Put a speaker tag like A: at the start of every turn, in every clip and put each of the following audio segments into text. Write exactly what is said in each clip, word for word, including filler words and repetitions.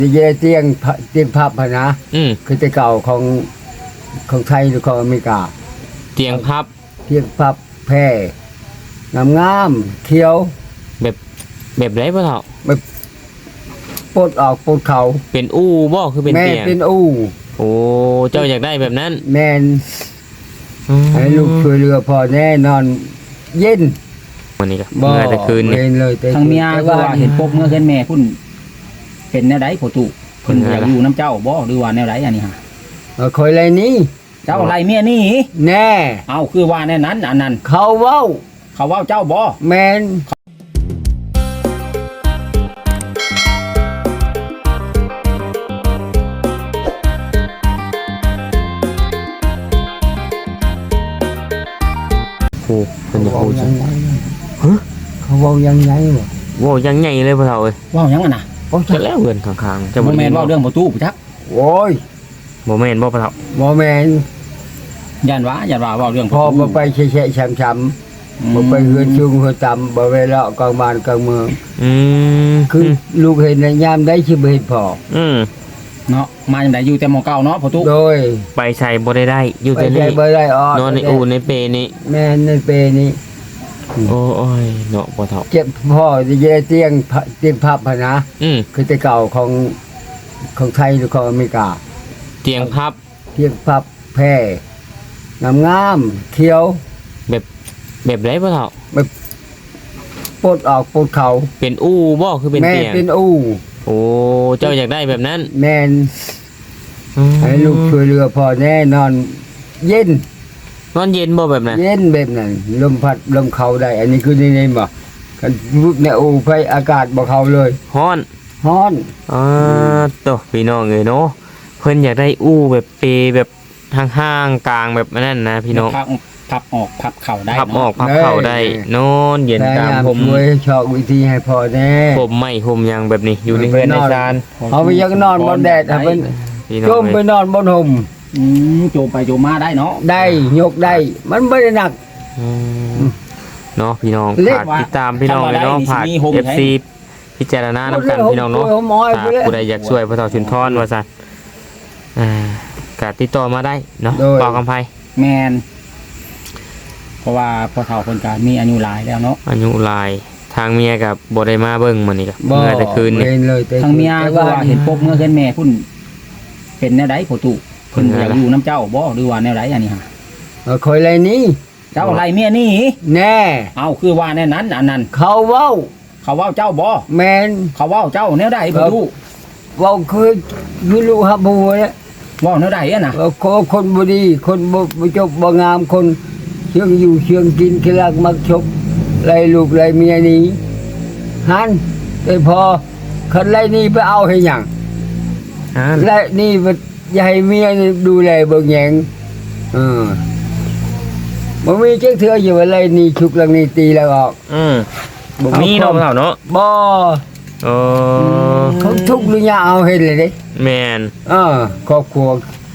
A: ดีเจเตียงเตียงพับพะนะ
B: อืม
A: คือแต่เก่าของของไทยหรือของอเมริกา
B: เตียงพับ
A: เตียงพับแพร่งามงามเขียว
B: แบบแบบไรพ่อเฒ่า
A: แบบปลดออกปลดเข่า
B: เป็นอู้บ่คือเป็นเตียง
A: แม่เป็นอู้
B: โอ้เจ้าอยากได้แบบนั้น
A: แม่นให้ลูกช่วยเรือพอแน่นอนเย็น
B: วันนี้ก็เมื่อแต่คืนนี่
C: ทางเมียก็ว่าเห็นปกเมื่อเห็นแม่พุ่นเป็นแนวใดพ่อตู่เพิ่นอยากอยู่น้ำเจ้าบ่หรือว่าแนวใดอันนี้ฮะ
A: เออคอยไรนี้
C: เจ้าไรเมียนี่
A: แน่
C: เอาคือว่าแน่นั้นอันนั้น
A: เขาเว้า
C: เขาเว้าเจ้าบ่
A: แม่น
B: โอ้เป็นยังไง
A: ฮะเขาเว้ายังไงบ่
B: โว้ยังไงเลยพ่อเฒ่าเอ้ย
C: เว้ายังอ่ะนะ
B: โอ้จะแล้วเงินข้างๆจะ
C: บ่แม่นเว้าเรื่องประตูจัก
A: โอ้ย
B: บ่แม่นบ่พ่อเฒ่า
A: บ่แม่น
C: ย่านว่าย่านว่าเว้าเรื่อง
A: พอบ่ไปแฉะๆช้ำๆบ่ไปเฮือนชุงเฮือนต่ำบ่ไปเลาะกลางบ้านกลางเมือง
B: อืม
A: คือลูกเห็นในยามได้สิบ่เห็นพอ
B: อืม
C: เนาะมาจังได๋อยู่แต่หม้อเก่าเนาะพ่อตู่
A: โดย
B: ไปใส่บ่ได้ได้อยู่แต่
A: นี่บ่ได้อ้อน
B: อนในอู่ในเปนี้
A: แม่นในเปนี้
B: โอ้ยเนาะพ่อเฒ่า
A: เจ็บพ่อดีเจเตียงเตียงพับพะนะ
B: อืม
A: คือแต่เก่าของของไทยหรือของอเมริกา
B: เตียงพับ
A: เตียงพับแพร่งามงามเขียว
B: แบบแบบไรพ่อเฒ่า
A: แบบปลดออกปลดเข่า
B: เป็นอู้บ่คือเป็นเตียง
A: แม่เป็นอู้
B: โอ้เจ้าอยากได้แบบนั้น
A: แม่นให้ลูกช่วยเรือพอแน่นอนเย็น
B: นอนเย็นบ่แบบนั้น
A: เย็นแบบนั้นลมพัดลมเข้าได้อันนี้คือนี่ๆบ่กันวุบในอู่ไฟอากาศบ่เข้าเลย
B: ฮ้อน
A: ฮ้อน
B: อ่าโตพี่น้องเอ้ยเนาะเพิ่นอยากได้อู้แบบเปแบบห่างๆกลางแบบนั้นนะพี่น้อง
C: พับพับออกพับเข่าได้
B: พับออกพับเข่าได้นอนเย็นตามผม
A: ช่วยชอบวิธีให้พอแน่
B: ผมไม่ผมยังแบบนี้อยู่ในเรือนในศาล
A: เอาไปยังนอนบนแดดเพิ่นจมไปนอนบนห่ม
C: อืมโจมไปโจมมาได้เนาะ
A: ได้ยกได้มันไม่ได้หนัก
B: เนาะพี่น้องฝากติดตามพี่น้องเลยเนาะฝาก เอฟ ซี พิจารณาน้ำกันพี่น้องเนาะผู้ใดอยากช่วยพ่อเฒ่าชุนทรว่าซั่นอ่ากะติดต่อมาได้เนาะเป่ากำไพ
C: แมนเพราะว่าพ่อเฒ่าคนกลางมีอายุหลายแล้วเนาะ
B: อายุหลายทางเมียกับบ่ได้มาเบิ่งมื้อนี้ก็เมื่อแต่คืนนี่
C: ทางเมียก็ว่าเห็นปกเมื่อเห็นแม่พุ่นเป็นแนวใดพ่อตู่เพิ่นอยากอยู่น้ำเจ้าบ่หรือว่าแนวใดอันนี้ฮะ
A: เออคอยไรนี้
C: เจ้าไรเมียนี่
A: แน่
C: เอาคือว่าแน่นั้นอันนั้น
A: เขาเว้า
C: เขาเว้าเจ้าบ่
A: แม่น
C: เขาเว้าเจ้าแนวใดพ่อตู่
A: เว้าคือคือลูกฮับบัวเนี่ย
C: เว้าแนวใดอ่ะนะ
A: คนบ่ดีคนบ่บ่จบบ่งามคนเชื่องอยู่เชื่องกินขี้รักมักชกไล่ลูกไล่เมียนี้หันแต่พอคันไล่นี่ไปเอาให้หยังไล่นี่ไปอย่าให้เมียดูแลเบิ่งแยงเออบ่มีจักเทื่ออยู่ว่าไล่นี่ชุกหลังนี่ตีแล้วออก
B: อืมบ่มีเนาะเฒ่าเนาะ
A: บ่
B: เออ
A: เขาทุกข์หรือยาเอาเฮ็ดเลยเด้
B: แม่น
A: เออครอบครัว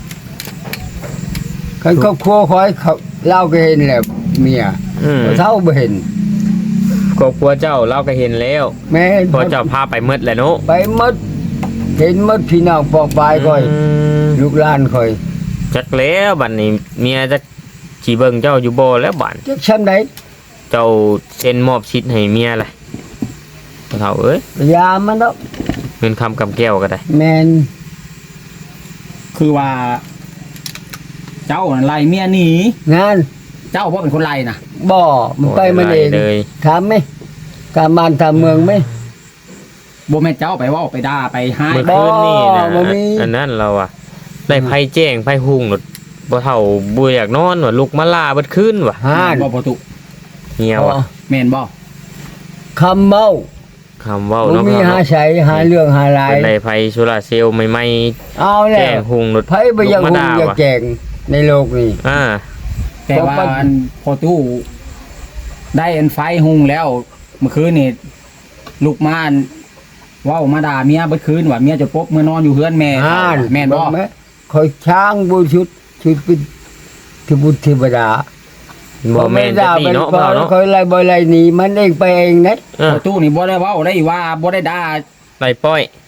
A: คันครอบครัวคอยเขาเล่าก็เห็นแหละเมียเท่าบ่เห็น
B: ครอบครัวเจ้าเราก็เห็นแล้ว
A: แม่
B: พอเจ้าพาไปหมดแหละเนาะ
A: ไปหมดเห็นหมดพี่น้องปอกปลายค่อยลูกหลานค่อย
B: จักแล้วบัดนี้เมียจักสิเบิ่งเจ้าอยู่บ่แล้วบัด
A: จักชั้นใด
B: เจ้าเซ็นมอบสิทธิ์ให้เมียล่ะเฒ่าเอ้ย
A: ยามันเนาะ
B: เงินคำกำแก้วก็ได้
A: แม่น
C: คือว่าเจ้าไล่เมียหนี
A: งาน
C: เจ้าบ่เป็นคนไล่นะ
A: บ่มันไปมันเองถามไหมการบ้านทำเมืองไหม
C: บ่แม่นเจ้าไปว่าไปด่าไปให้
B: เมื่อคืนนี่นะอันนั้นเราอะได้ไผแจ้งไผหุงหนดบ่เฒ่าบ่อยากนอนว่าลุกมาลาเบิดคืนว่ะ
C: ฮ่าบ่ประตู
B: เหี่ยวอ่ะ
C: แม่นบ่
A: คำเว้า
B: คำเว้าเนาะ
A: มีหาใช้หาเรื่องหาลาย
B: ได้ไผโซลาเซลล์ใหม่
A: ๆเอาแล้วแจ้
B: งหุงหนด
A: ไผบ่อยากหุงอยากแจ้งในโลกนี้
B: อ่า
C: แต่ว่าพอตู้ได้อันไฟหุงแล้วเมื่อคืนนี่ลูกม่านว้าวมาด่าเมียเมื่อคืนว่าเมียจะปบเมื่อนอนอยู่เฮือนแม่แม่นบ่
A: คอยช้างบูชุดชุดเป็นเทบุตรเทวดา
B: บ่แม่นจะนี่เนาะเปล่าเนาะ
A: คอยไล่บ่ไล่หนีมันเองไปเองนะ
C: พอตู้นี่บ่ได้ว้าวได้ว่าบ่ได้ด่า
B: ไล่ป้อย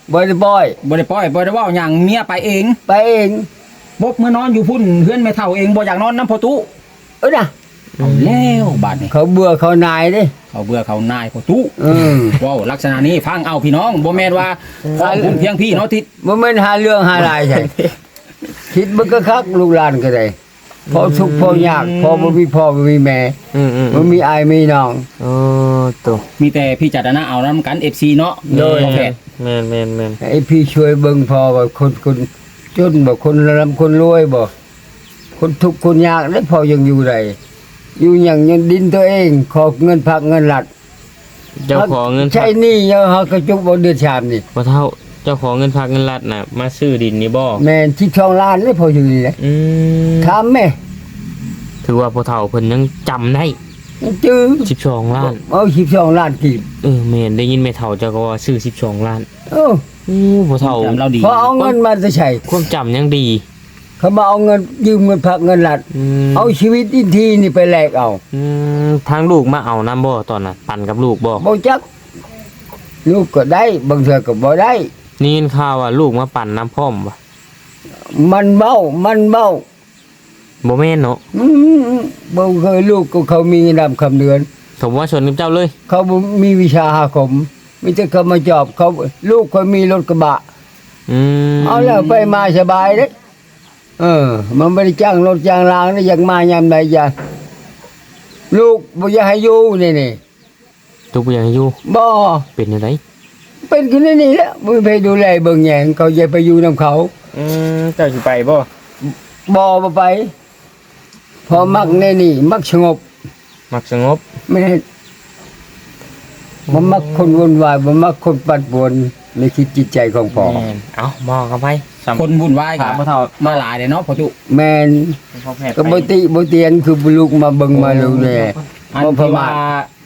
A: บ่ได้บ่อย
C: บ่ได้ปล่อยบ่ได้เว้าหยังเมียไปเอง
A: ไปเอง
C: บบเมื่อนอนอยู่พุ่นเฮือนแม่เฒ่าเองบ่อยากนอนน้ำพอตู้
A: เอ้ยนะ
C: เอาแล้วบาดนี้
A: เขาเบื่อเขานายเด้
C: เขาเบื่อเขานายพอตู้
A: เออ
C: ว้าวลักษณะนี้ฟังเอาพี่น้องบ่แม่นว่าขอคุณเพียงพี่เนาะทิศ
A: บ่แม่นหาเรื่องหารายใช่ คิดมันก็คักลูกหลานก็ได้พอทุกข์พอยากพอบ่มีพ่อบ่มีแม่
B: อืมอืม
A: บ่มีอายมีน้อง
B: โอ้ตัว
C: มีแต่พี่จัดนะเอานํกัน เอฟ ซี เนาะ
A: โดย
C: บ่แพ้
B: แม่นแม่นแม่น
A: ไอ้พี่ช่วยเบิ่งพอว่าคนคนจนบ่คนร่ำคนรวยบ่คนทุกข์คนยากได้พอยังอยู่ได้อยู่หยังยังดินตัวเองขอเงินพักเงินหลัด
B: เจ้าของเงิน
A: ใช่หนี่เฮาเฮากระจุกบ่เดือดชามนี่
B: บ่เท่าเจ้าของเงินฝากเงินรัฐน่ะมาซื้อดินนี่บ่
A: แม่นที่ช่องล้านเลยพออยู่นี่แหละ
B: อืม
A: ถามแม่
B: ถือว่าพ่อเฒ่าเพิ่นยังจำได้
A: จื้อ
B: สิบสองล้าน
A: เอาสิบสองล้านกีบ
B: เออแม่นได้ยินแม่เฒ่าเจ้าก็ว่าซื้อสิบสองล้าน
A: เออ
B: อู้พ่อเฒ่า
C: จำเราดี
A: พอเอาเงินมาจะใช้
B: ความจำยังดี
A: เขามาเอาเงินยืมเงินพักเงินหลัด
B: อืม
A: เอาชีวิตอินทีนี่ไปแลกเอา
B: อืมทางลูกมาเอานํบ่ตอนน่ะปั่นกับลูกบ่
A: บ่จักลูกก็ได้บางเทื่อก็บ่ได้
B: นี่ยินข่าวว่าลูกมาปั่นน้ำพร้อมบ่
A: มันเบ้ามันเบ้า
B: บ่แม่นเนาะ
A: อืมบ่เคยลูกก็เขามีเงินดำคำเดือน
B: ผมว่าชนกับเจ้าเลย
A: เขาบ่มีวิชาหาคมมีแต่เขามาจอบเขาลูกเขามีรถกระบะ
B: อืม
A: เอาแล้วไปมาสบายเด้เออ มันไม่ได้จ้างรถจ้างรางนะอยากมายามใดอยากลูกบ่อยากให้อยู่นี่นี่
B: ทุกอย่างอยู่
A: บ่
B: เป็นจังได๋
A: เป็นคนนี้นี่แหละบ่ไปดูแลเบิ่งแยงเขาอย่าไปอยู่นํเขา
B: อืมเจ้าสิไปบ่
A: บ่บ่ไปพอมักแน่นี่ มักสงบ
B: มักสงบ
A: ไม่ได้บ่มักคนวุ่นวายบ่มักคนปั่นป่วนในคิดจิตใจของพ่อ
B: แม่นเอ้ามองกันไปสำ
C: คนวุ่นวายกั
B: ถาม
C: บ
B: พ่อเฒ่า
C: มาหลายเด้เนาะพอตู้
A: แม่น
B: พ่อแพทย์
A: ก็บ่ติบ่เตียนคือบ่ลูกมาเบิ่งมาดูแล
C: อัน
A: บ่ประ
C: ที่
A: มา
C: ว่า
A: ท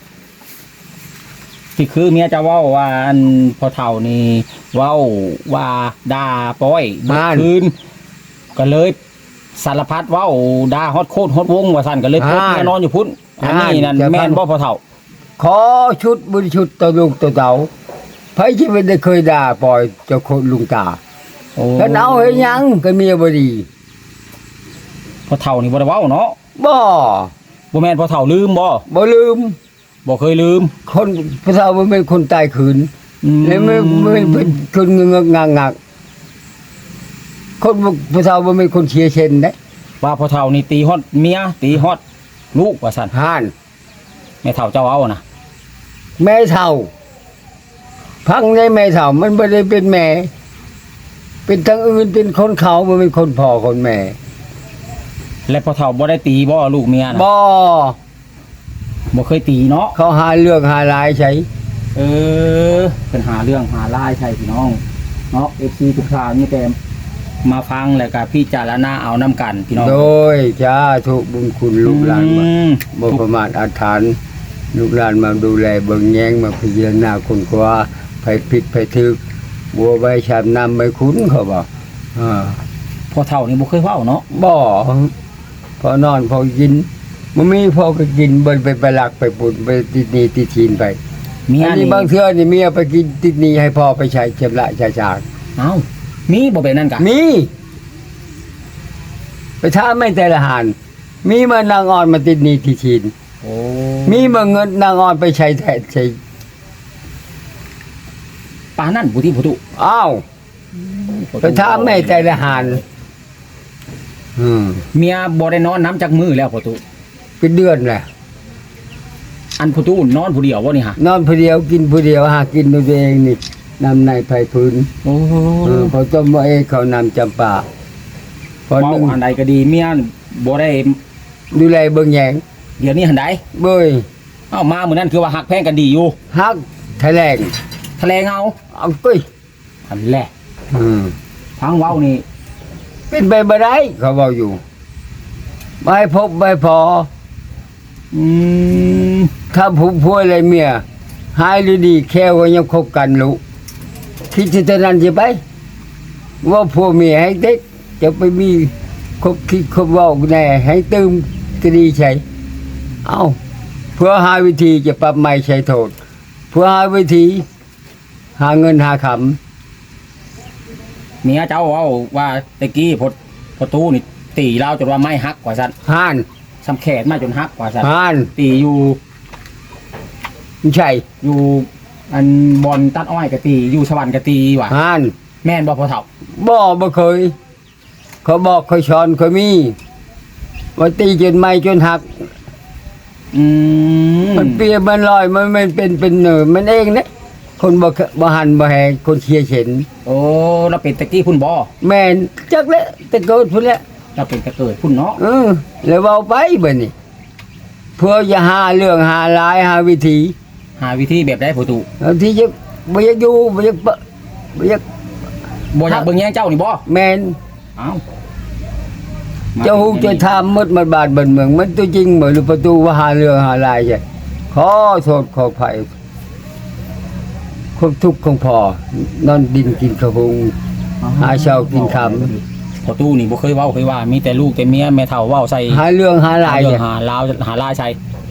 C: ที่คือเมียจะเว้าว่าอันพอเฒ่านี่เว้าว่าด่าป้อยเมื่อคืนก็เลยสารพัดเว้าด่าฮอดโคตรฮอดวงว่าซั่นก็เลยพบเมียนอนอยู่พุ่นอันนี้นั่นแม่นบ่พอเฒ่า
A: ขอชุดบริชุดต่อลูกต่อเต่าไผที่ไม่ได้เคยด่าปล่อยเจ้าคนลุงตา
C: โอ้
A: กันเอาเฮ็ดหยังก็เมียบ่ดี
C: พอเฒ่านี่บ่ได้เว้าเนาะ
A: บ่
C: บ่แม่นพอเฒ่าลืมบ่
A: บ่ลืม
C: บ่เคยลืม
A: คนพระเฒ่าบ่เป็นคนตายขืน
C: อืม
A: และไม่ไม่เป็นคนเงือกงงักคนบ่พระเฒ่าบ่เป็นคนเชียร์เช่นเด้
C: ว่าพอเฒ่านี่ตีฮอดเมียตีฮอดลูกว่าซั่น
A: ห่าน
C: แม่เฒ่าเจ้าเอานะ
A: แม่เฒ่า พังในแม่เฒ่ามันบ่ได้เป็นแม่ เป็นทางอื่นเป็นคนเขาบ่เป็นคนพ่อคนแม่
C: และพอเฒ่าบ่ได้ตีบ่ลูกเมียนะ
A: บ่
C: บ่เคยตีเนาะ
A: เขาหาเรื่องหารายใช้
C: เออเป็นหาเรื่องหาลายใช่พี่น้องเนาะ เอฟ ซี ทุกท่านนี่แต่มาฟังแล้วก็พี่จารณาเอานํกันพี่น้อง
A: โดยจ้าทุกบุญคุณลูกหลานมา
C: อืม
A: บ่ประมาทอาถรรพ์ลูกหลานมาดูแลเบิ่งแยงมาพิจารณาคนกว่าไผผิดไผถูกบัวใบชามน้ำใบคุ้นเขาบอกอ่า
C: พอเฒ่านี่บ่เคยเว้าเนาะ
A: บ่พอนอนพอกินมันมีพอก็กินเบิ่นไปไปหลักไปปุ่นไปติดหนี้ติดทีนไป
C: เมีย
A: อัน
C: นี่
A: นี้บางเทื่อนี่เมียไปกินติดหนี้ให้พ่อไปใช้ชำระชาจาก
C: เอ้ามีบ่เป็นนั่นกะ
A: มีไปท้าไม่แต่ละหานมีมานางอ่อนมาติดหนี้ติดทีน
C: โอ้
A: มีเมื่อเงินนางอ่อนไปใช้แทนใช้
C: ปานนั่นผู้ที่ผู้ตุ
A: อ้าวไปถามแม่ใจละหานอืม
C: เมียบ่ได้นอนน้ำจักมือแล้วผู้ตุ
A: เป็นเดือนแหละ
C: อันผู้ตุนอนผู้เดียวบ่นี่ฮะ
A: นอนผู้เดียวกินผู้เดียวหากินด้วยตัวเองนี่นำในไผ่พื้น
C: โอ้
A: เออพอต้มว่าเองเขานำจำปาพอ
C: เว้า
A: นึ่ง
C: อันใดก็ดีเมียบ่ได้
A: ดูแลเบิ่งแยง
C: เดี๋ยวนี้หันใด
A: เบ้ย
C: เอ้ามามื้อนั้นคือว่าฮักแพงกันดีอยู่
A: ฮักแถลง
C: ทะเลเงา
A: เอากุ้ย
C: อันแหละ
A: อืม
C: ทางเว้านี่
A: เป็นไปบ่ได้เขาบอกอยู่ไม่พบไม่พอ
C: อืม
A: ถ้าผู้พูดอะไรเมียหายหรือดีแค่ว่ายังคบกันลูกคิดจะเท่านั้นจะไป ว่าผัวเมียให้เด็กจะไปมีคบคิดคบเว่าแน่ให้ตืมก็ดีใช่เอาเพื่อหาวิธีจะปรับไม่ใช้โทษ เพื่อหาวิธี หาเงินหาค
C: เมียเจ้าเว้าว่าตะกี้พอพอตู้นี่ตีเราจนว่าไม่ฮักกว่าซั่น
A: ห่าน
C: ซ้ำแขนมาจนฮักกว่าซั่น
A: ห่าน
C: ตีอยู่
A: ไม่ใช่
C: อยู่อันบอลตัดอ้อยก็ตีอยู่สวรรค์ก็ตีว่ะ
A: ห่าน
C: แม่นบ่พอเฒ่า
A: บ่บ่เคย เขาบอกเขาช้อนเขามีว่าตีจนไม่จนหัก
C: อืม
A: มันเปียมันลอยมันมันเป็นเป็นเนอมันเองนะคนบ่เคบ่หันบ่แหงคนเชียร์เข็น
C: โอ้เราเป็นตะกี้พุ่นบ่
A: แม่นจักแล้วแต่เกิดพุ่นแล้ว
C: เราเป็นตะเกิดพุ่นเนาะ
A: เออแล้วเว้าไปบัดนี้เพื่อจะหาเรื่องหาหลายหาวิธี
C: หาวิธีแบบได้พอตู้
A: เอาที่จะบ่อยากอยู่บ่อยากเปะบ่อยาก
C: บ่อยากเบิ่งแย่งเจ้านี่บ่
A: แม่น
C: เอ้า
A: เจ้าฮู้จะทำมดมันบาดบันเมืองมันตัวจริงบ่หรือประตูว่าหาเรื่องหาหลายใช่ขอโทษขออภัยความทุกข์ของพ่อนอนดินกินข้าวหุง หาเช้ากินค่ำ
C: พอตู้นี่บ่เคยเว้าเคยว่ามีแต่ลูกแต่เมียแม่เฒ่าเว้าใส่
A: หาเรื่องหาหลาย
C: เรื่
A: ใช่
C: องหาลาวหาลายใส่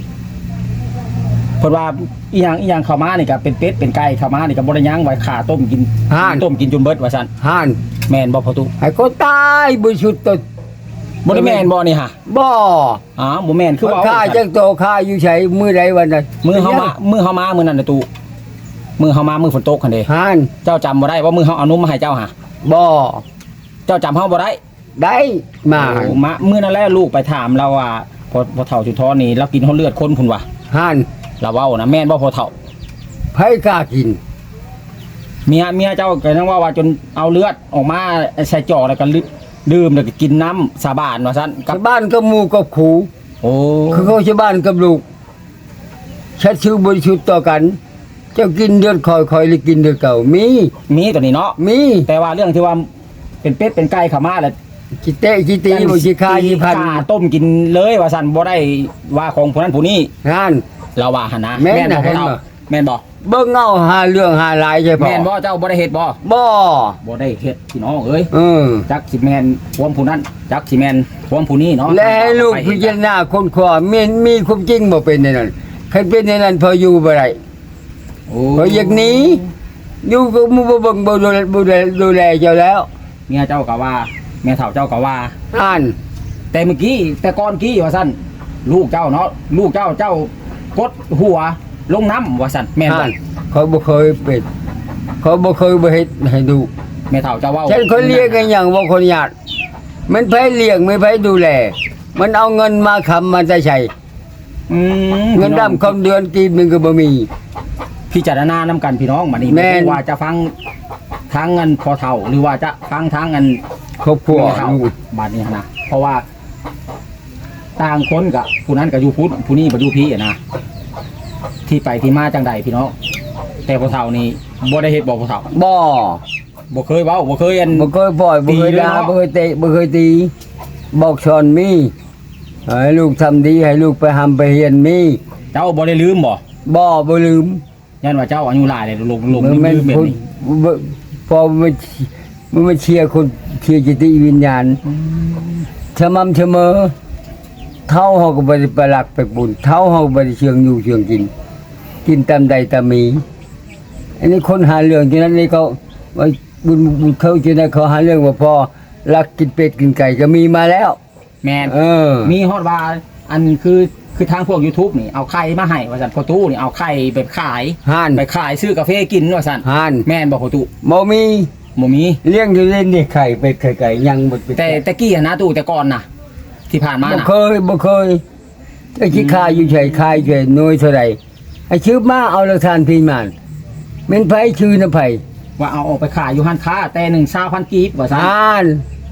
C: เพิ่นว่าอีหยังอีหยังเข้ามานี่ก็เป็นเป็ดเป็นไก่เข้ามานี่ก็บ่ได้หยังไว้ขาต้มกิน
A: ห่าน
C: ต้มกินจนเบิดว่าซั่น
A: ห่าน
C: แม่นบ่พอตู้
A: ให้คนตายบริสุทธิ์ตัว
C: บ่ได้แม่นบ่นี่ฮะ
A: บ่
C: อ๋อบ่แม่นคือ
A: คือ
C: เว้า
A: ข้าจังโตข้าอยู่ไสมื้อใดวันนั้น
C: มือเฮามามือเฮามามื้อนั้นน่ะตู้มือเฮามามือฝนตกคั่นเด้
A: ห่าน
C: เจ้าจำบ่ได้ว่ามือเฮาเอานมมาให้เจ้าหะ
A: บ่
C: เจ้าจำเฮาบ่ได้
A: ได้มา
C: โอ้มามื้อนั้นแหละลูกไปถามเราว่าพอพอเฒ่าจุดท้อนี่เรากินเฮาเลือดคนพุ่นว่ะ
A: ห่าน
C: เราเว้านะแม่นบ่พอเฒ่า
A: ไผกล้ากิน
C: เมียเมียเจ้าก็ยังว่าว่าจนเอาเลือดออกมาใส่จอกแล้วก็ลืดื่มแล้วก็กินน้ำสาบานว่าซั่นกั
A: กั
C: บบ
A: บ้านกับหมู่กับขู่
C: โอ้
A: คือเขาชาวบ้านกับลูกชัดชื่อบริสุทธิ์ต่อกัน เจ้ากินเดือดคอยคอยหรือกินเดือดเก่ามี
C: มีตัวนี้เนาะ
A: มี
C: แต่ว่าเรื่องที่ว่าเป็นเป็ดเป็นไก่เข้ามาแล้ว
A: จิเตะจิตีบ่สิคาสิพัน
C: ฆ่าต้มกินเลยว่าซั่นบ่ได้ว่าของผู้นั้นผู้นี้
A: ห่าน
C: เราว่าหั่นนะ
A: แม่น
C: บ่
A: น่ะ
C: พอเฒ่า
A: เห็นบ่
C: แม่นบ่
A: เบิ่งเอาหาเรื่องหาหลายใช่ปะ
C: แม่นบ่เจ้าบ่ได้เฮ็ดบ่
A: บ่
C: บ่ได้เฮ็ดพี่น้องเอ้ย
A: เออ
C: จักสิแม่นความผู้นั้นจักสิแม่นความผู้นี้เนาะ
A: และให้ลูกพิจารณาคนขวามีมีความจริงบ่เป็นในนั้นใครเป็นในนั้นพออยู่บ่ได้
C: โอ้
A: พออย่างนี้อยู่ก็บ่บ่เบิ่งบ่ดูแลบ่ดูแลดูแลเจ้าแล้ว
C: เมียเจ้าก็ว่าแม่เฒ่าเจ้าก็ว่า
A: ห่าน
C: แต่เมื่อกี้แต่ก่อนกี้ว่าซั่นลูกเจ้าเนาะลูกเจ้าเจ้ากดหัวลงน้ำว่าซั่นแม่นบ่
A: ห่านเขาบ่เคยเป็นเขาบ่เคยบ่เฮ็ดให้ดู
C: แม่เฒ่าเจ้าเว้า
A: ฉันคนเลี้ยงกันอย่างบ่คนญาติมันไผเลี้ยงไม่ไผดูแล มันเอาเงินมาค้ำมันจะใช้
C: อืม
A: เงินดำคำเดือนกินมันก็บ่มี
C: พิจารณานำกันพี่น้องบัดนี้
A: แม่น
C: ว่าจะฟังทางเงินพอเฒ่าหรือว่าจะฟังทางเงิน
A: ครอบครัว
C: แม่เฒ่า
A: ลูก
C: บัดนี้นะเพราะว่าต่างคนกับผู้นั้นก็อยู่พุทธผู้นี้บ่อยู่พี่อะนะที่ไปที่มาจังใดพี่น้องแต่พอเฒ่านี่บ่ได้เฮ็ดบ่พอเฒ่า
A: บ่
C: บ่เคยเว้าบ่เคยอัน
A: บ่เคยปล่อยบ่เคย
C: ตีเลย
A: ด่า
C: เนาะ
A: บ่เคยเตะบ่เคยตี บอกสอนมีให้ลูกทำดีให้ลูกไปหำไปเรียนมี
C: เจ้าบ่ได้ลืมบ่
A: บ่บ่ลืม
C: ยันว่าเจ้าอายุหลายเลยลงลง
A: มัน
C: ลืม
A: แม่น
C: ลืมแบบ
A: คน
C: นี้
A: บ่พอมันมันมาเชียร์คนเชียร์จิตวิญญาณสม่ำเสมอเท่าเฮาก็บ่ได้ไปรักไปบุญเท่าเฮาบ่ได้เชื่องอยู่เชื่องกิน กินตามใดตามมี อันนี้คนหาเรื่องฉะนั้นนี่เขาว่าบุญบุญเขาจะได้เขาหาเรื่องว่าพอรักกินเป็ดกินไก่ก็มีมาแล้ว
C: แม่น
A: เออ
C: มีฮอดว่าอันคือคือทางพวก YouTube นี่เอาไข่มาให้ว่าซั่นพอตู้นี่เอาไข่ไปขาย
A: ห่าน
C: ไปขายซื้อกาแฟกินว่าซั่น
A: ห่าน
C: แม่นบ่พอตู้
A: บ่มี
C: บ่มี
A: เลี้ยงอยู่เล่นนี่ไข่เป็ดไข่ไก่ยังบ่เป็น
C: แต่แต่กี้อะนะตู้แต่ก่อนน่ะ ที่ผ่านมา
A: บ่
C: น่ะ
A: เคยบ่เคยไอ้ที่คายอยู่เฉยคายเฉยน้อยเท่าไหร่ไอ้ชื่อมาเอาละทานพี่มานแม่นไผชื่อนะไผ
C: ว่าเอาออกไปขายอยู่ห้านค้าแต่หนึ่งเช้าพันกีบว่าซั่น
A: อ่าน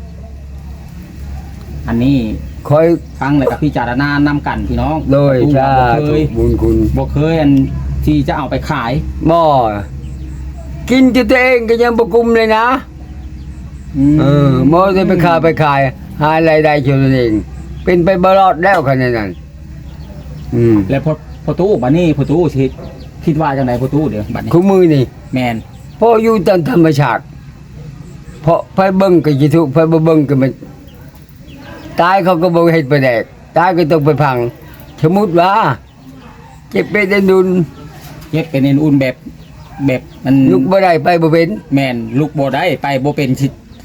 C: อันนี้
A: คอย
C: ฟังแล้วก็พิจารณานำกันพี่น้อง
A: โดย
C: ตู้
A: ชา
C: บ่เคย
A: บุญคุณ
C: บ่เคยอันที่จะเอาไปขาย
A: หม้อกินจะตัวเองก็ยังบ่กุมเลยนะ เออหมอจะไปขายไปขาย หารายได้เท่านั้นเอง เป็นไปบรอดแล้วขนาดนั้น อืม
C: แล้วพอพอตู้บัดนี้พอตู้สิคิดว่าจังไดพอตู้เดี๋ยวบัดนี้
A: คู่มือนี่
C: แม่น
A: พออยู่ตามธรรมชาติเพราะไฟเบิ่งก็สิทุกข์ไฟบ่เบิ่งก็มันตายเขาก็บ่เฮ็ดไปแดกตายก็ต้องไปพัง สมมุติว่าเจ็บเป็นได้ดุน
C: เย็บเป็นอุ่นๆแบบแบบมัน
A: ลุกบ่ได้ไปบ่เป็น
C: แม่นลูกบ่ได้ไปบ่เป็นสิ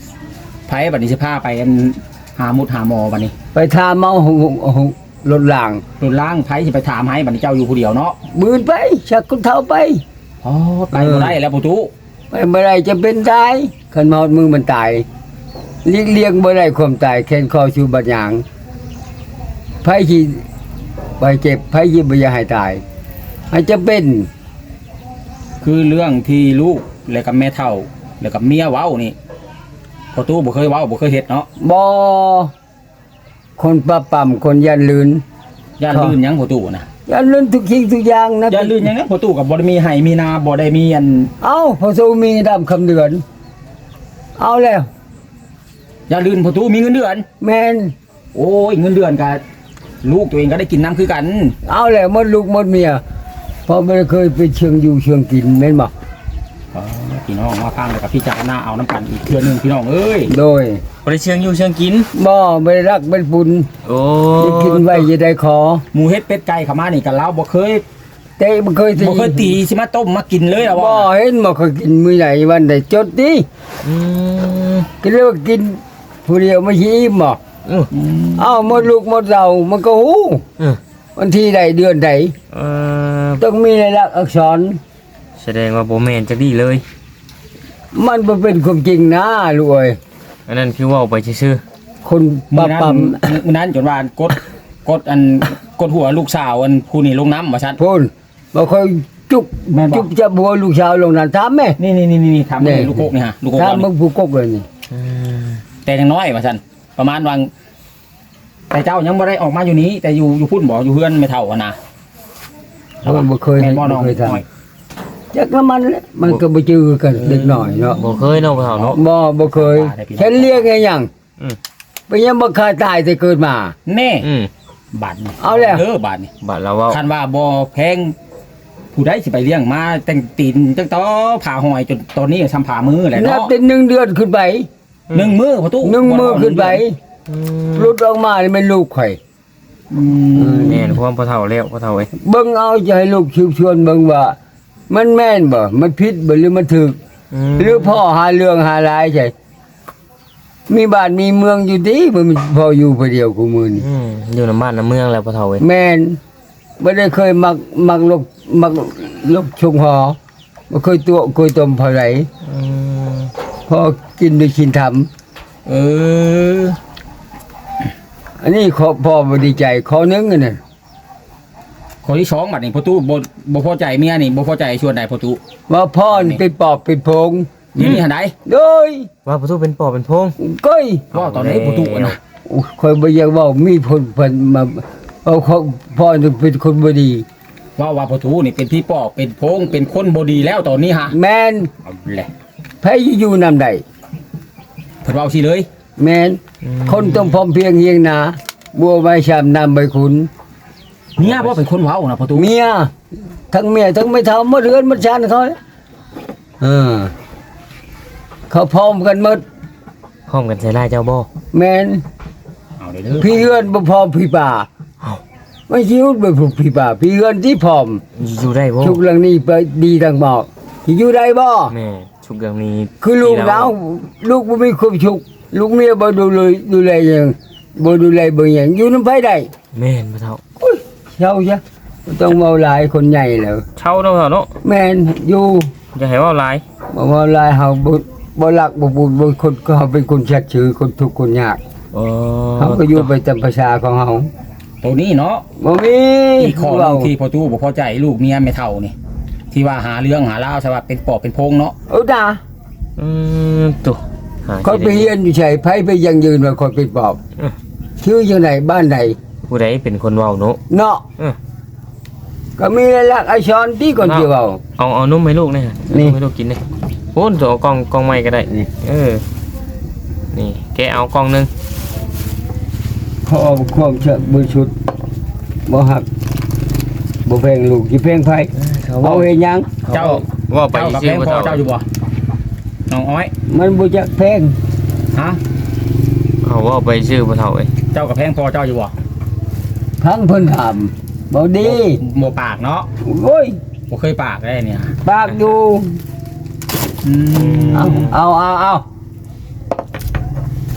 C: บัดนี้สิพาไปอันหามุดหาหมอบัดนี้
A: ไปทามเอาหงหงรถล่าง
C: รถล้างไผสิไปถามให้บัดนี้เจ้าอยู่ผู้เดียวเนาะ
A: บืนไปชักคนเท้าไป
C: อ๋อไปบ่ได้แล้วประตู
A: ไปเมื่อไรจะเป็นตายขันมาหดมือมันตายเลี้ยงเลี้ยงเมื่อไรความตายแค้นคอชูบัดหยางไพ่ที่ไปเจ็บไพ่ยิบอยาให้ตายอาจจะเป็น
C: คือเรื่องที่ลูกแล้วกับแม่เฒ่าแล้วกับเมียเว้านี่ประตูบ่เคยเว้าบ่เคยเฮ็ดเนาะ
A: บอคนประปั่มคนยันลืน
C: ย่านลื่นหยังประตูนะ
A: ยันลืนทุกสิ่งทุกอย่างนะ
C: ย่านลื่นหยังนะประตูกับบ่ได้มีไห้มีนาบ่ได้มีอัน
A: เอาพอสูมีดำคำเดือน เอาแล้ว
C: ย่านลื่นประตูมีเงินเดือน
A: แมน
C: โอ้ยเงินเดือนกับลูกตัวเองก็ได้กินน้ำคือกัน
A: เอาแล้วหมดลูกหมดเมียเพอไม่ได้เคยไปเชิงอยู่เชิงกินแม่นบอก
C: อ๋อพี่น้องมาพังแล้วกับพี่จารณาเอาน้ำกันอีกเทื่อนึงพี่น้องเอ้ย
A: โดย
B: บ่ได้เชิงอยู่เชิงกิน
A: บ่ไม่ได้รักเป็นบุญ
B: โอ้
A: จะกินไว้จะได้ขอ
C: หมูเฮ็ดเป็ดไก่เข้ามานี่กับเราบ่เคย
A: เตะมันเคยตี
C: บ่เคยตีสิมาต้มมากินเลยล่ะ
A: บ่
C: ว่า
A: เห็นบ่เคยกินมื้อไหนวันใดจดดิ
B: อืม
A: ก็เรียกว่ากินผู้เดียวไม่อิ่มบ่
B: อื้อ
A: เอ้าหมดลูกหมดเรามันก็ฮู้
B: อื้อ
A: วันที่ใดเดือนใด
B: เอ่อ
A: ต้องมีลายลักษณ์อักษร
B: แสดงว่าบ่แม่นจักดีเลย
A: มันบ่เป็นความจริงนะลูกเอ้ย
B: อันนั้นคือเว้าไปซื่อ
A: คน
C: มื้
A: ปั๊
C: อนั้น
A: ปั๊ม
C: มื้อนั้นจนว่ากดกดอันกดหัวลูกสาวอันผู้นี่ลงน้ำว่าซั่น
A: พูนบ่ค่อยจุก
C: แม่นบ่
A: จุกจะบัวลูกสาวลงนั้นถามแม่
C: นี่นี่นี่นี่ทำเลยลูกโกกนี่ฮะลูกโกก
A: ถาม
C: เรา
A: มึ
C: นี่
A: งผู้กกเลยนี่
B: ๆอืม
C: แต่ยังน้อยว่าซั่นประมาณวังแต่เจ้ายังบ่ได้ออกมาอยู่นี้ แต่อยู่อยู่พุ่นบ่อยู่เฮือนไม่เท่าอะนะ
A: เพราะมันบ่เคย
C: แม่นบ่น้อง
A: บ่เคยท
C: น้อย
A: ำจักน้ำมันแหละมันก็บ่จือกันเด็กหน่อยเนาะ
B: บ่เคยเนาะพ่อเฒ่าเนาะ
A: บ่บ่เคยฉันเรียกไงหยัง
B: อืม
A: ไปยังบ่เคยตายแต่เกิดมา
C: แน่
B: อืม
C: บาทนี่
A: เอาแล้ว
C: เด้อบาทนี่
B: บัดเราเว้า
C: คันว่าบ่แพงผู้ใดสิไปเลี้ยงมาแต่งตีนจังต่อผ่าหอยจนตอนนี้ทำผ่ามือแหละ
A: นับ
C: เนาะ
A: เป็นหนึ่งเดือนขึ้นไป
C: หนึ่งมือพ่อตู้
A: หนึ่งมือขึ้นไป
B: อืม
A: หลุดออกมานี่มันลูกข่อย
C: อืม
B: แม่นความพ่อเฒ่าแล้วพ่อเฒ่าเอ้ย
A: เบิ่งเอาจะให้ลูกชิวชวนเบิ่งว่า มันแม่นบ่มันผิดบ่หรือมันถูก
B: อืม
A: หรือพ่อหาเรื่องหารายใช่มีบ้านมีเมืองอยู่ดีมันพออยู่ผู้เดียวกูมือนี่
B: อืมอยู่นํบ้านนํเมืองแล้วพ่อเฒ่าเอ้ย
A: แม่นบ่ได้เคยมักมักลกมักลกชงหอบ่เคยตัวเคยต้มเท่าไหร่
B: อืม
A: พอกินด้วยชินธรรม
C: เออ
A: อันนี้ขอพ่อบ่ดีใจขอนึงอันนั้น
C: คนที่สองบัดนี้พ่อตู้บ่บ่พอใจเมียนี่บ่พอใจชวนใดพ่อตู้
A: ว่าพ่อนี่เป็นปอบเป็นโพง
C: นี่นี่หันใด
A: โดย
B: ว่าประตูเป็นปอบเป็นโพง
A: ก้อย
C: ว่าตอนนี้พ่อตู้อะนะ
A: อุ๊ยคอยบ่อยากเว้ามีผลเพิ่นมาเอาเขาพ่อนี่เป็นคนบ่ดี
C: ว่าว่าพ่อตู้นี่เป็นพี่ปอบเป็นโพงเป็นคนบ่ดีแล้วตอนนี้ฮะ
A: แม่น
C: เอาแหละ
A: ไผอยู่นำใด
C: เพิ่นเว้าสิเลย
A: แม่นคนต้องพร้อมเพรียงเฮียงนาบัวใบชามน้ำใบขุน
C: เมียบ่เป็นคนเว้านะพ่อตู้
A: เมียทั้งเมียทั้งไม่เท่าหมดเรือนหมดชานเขาเลยเออเขาพร้อมกันหมด
B: พร้อมกันใส่ลายเจ้าบ่
A: แม่น
C: เอาเด้อเด้อ
A: พี่เรือนบ่พร้อมพี่ป่าไม่ชิวไปผูกพี่ป่าพี่เรือนที่พร้อม
B: อยู่ได้บ่
A: ชุกเรื่องนี้ไปดีทางบอกอยู่ได้บ่
B: แม่ชุกเรื่องนี้
A: คือลูกเราลูกบ่มีความชุกลูกเมียบ่ดูเลยดูแลหยังบ่ดูแลบ่หยังอยู่นำไผได้
B: แม่นพ่อเฒ่า
A: อุ้ยเช่าซะบ่ต้องเมาหลายคนใหญ่แล้ว
B: เช่าเนาะพ่อเฒ่าเนาะ
A: แม่นอยู่
B: อย่าให้เว้าหลาย
A: บ่เมาหลายเฮาบ่บ่รักบ่บุญบ่คนก็เฮาเป็นคนชัดชื่อคนทุกข์คนยาก
B: อ๋อ
A: เฮาก็อยู่ไปตามภาษาของเฮา
C: ตัวนี้เนาะ
A: บ่มี
C: อีกข้อหนึงที่พ่อตู้บ่พอใจลูกเมียไม่เท่านี่ที่ว่าหาเรื่องหาราวใช่ว่าเป็นปอบเป็นโพงเนาะ
A: เอาด่า
B: อืมตุหา
A: คนไปเรียนอยู่ไสไผไปยังยืนว่าคนเป็นปอบชื่อจังไดบ้านใด
B: ผู้ใดเป็นคนเว้าเนาะ
A: เนาะ
B: เออ
A: ก็มีหลักษณ์อักษรที่ก่อนสิเว้า
B: เอาเอานุ่มให้ลูกหนะ
A: นี่
B: นุ่มให้ลูกกินเลยโอ้นตัวเอากล่องกล่องใหม่ก็ได้
A: นี่
B: เออ นี่แกเอากล่องหนึง
A: ขอความเชื่อบริสุทธิ์บ่ฮักบ่แพงลูกสิแพงไผเอาเฮ็ดหยัง
C: เจ้า
B: ว่าไป
C: เจ้ากับ
B: ซื้
C: แพ
B: อง
C: พ
B: บ่
C: อ
B: เฒ่า
C: เจ้าอยู่บ่น้องอ้อย
A: มันบ่จักแพง
C: ฮะ
B: เอาว่าไปซื้อบ่เฒ่าเอ้ย
C: เจ้ากับแพงพอเจ้าอยู่บ่
A: ทั้งเพิ่นถามบ่ดี
C: บ่ปากเนาะ
A: โอ้ย
C: บ่เคยปากได้เนี่ย
A: ปากอยู่
C: อืม
A: เอาเอาเอาเอา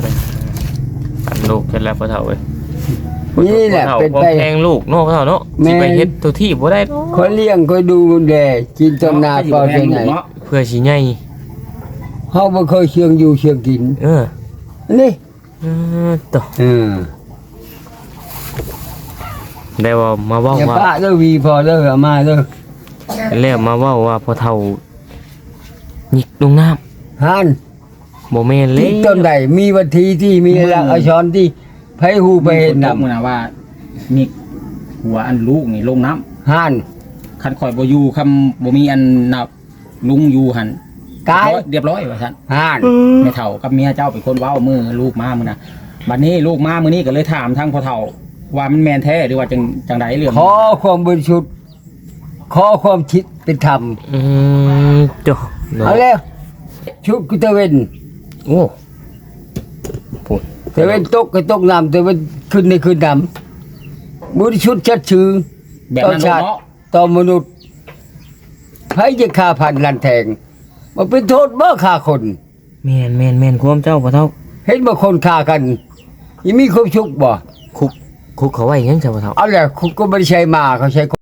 B: เกิดแล้วพ่อเฒ่าเว้ย
A: นี่แหละ
B: พ่อฒ่า
A: เป็น
B: บ่
A: ไป
B: แพงลูกเนาะพ่อเฒ่าเนาะ
A: แม่
B: สิไปเฮ็ดตัวที่บ่ได้
A: คอยเลี้ยงคอยดูแลกินต้นนาก็เป็นไง
C: เนาะ
B: เพื่อสิใหญ่
A: เฮาบ่เคยเชียงอยู่เชียงกิน
B: เออ
A: นี่
B: เออต่อ
A: เออ
B: ได้ว่ามาเว้า
A: อย่า
B: ว่า
A: ปะเด้อวีพอเด้อเอามาเด้อ
B: แล้วมาเว้าว่าพ่อเฒ่าหยิกลงน้ำ
A: หัน
B: บ่แม่นเล
A: ที่
B: ย
A: ต้นใดมีวัตถีที่มีหลักอักษรที่ไผฮู้ไปเห็น
C: นำ
A: นำ
C: มื้อนะว่ามีหัวอันลูกนี่ลงน้ำ
A: หัน
C: คันข่อยบ่อยู่คำบ่มีอันนับลุงอยู่หั่น
A: ตาย
C: เรียบร้อยว่าซั่น
A: หัน
C: แม่เฒ่ากับเมียเจ้าเป็นคนเว้ามือลูกมามื้อน่ะบัดนี้ลูกมามื้อนี้ก็เลยถามทางพ่อเฒ่าว่ามันแม่นแท้หรือว่าจังจังไดเรื่อง
A: ขอความบริสุทธิ์ขอความคิดเป็นธรรม
B: อืมจ้ะเนาะ
A: เอาแล้วชุดกุตะเวน
B: โอ้พูด
A: ตะเวนตกก็ตกน้ำตะเวนขึ้นในขึ้นน้ำบริสุทธิ์ชัดชื่อ
C: แบบ
A: ต่อ
C: นั้น
A: ชาติ
C: เนาะ
A: ต่อมนุษย์ไผจะฆ่าพันลันแทงมันเป็นโทษบ่ฆ่าคน
B: แม่นแม่นแม่นความเจ้าพ่อเฒ่า
A: เห็นบ่คนฆ่ากันยังมีความสุขบ่
B: คุกคุกเขาไว้ยังจ้ะพ่อเฒ่า
A: เอาแหละคุณก็ไม่ได้ใช้มาเขาใช้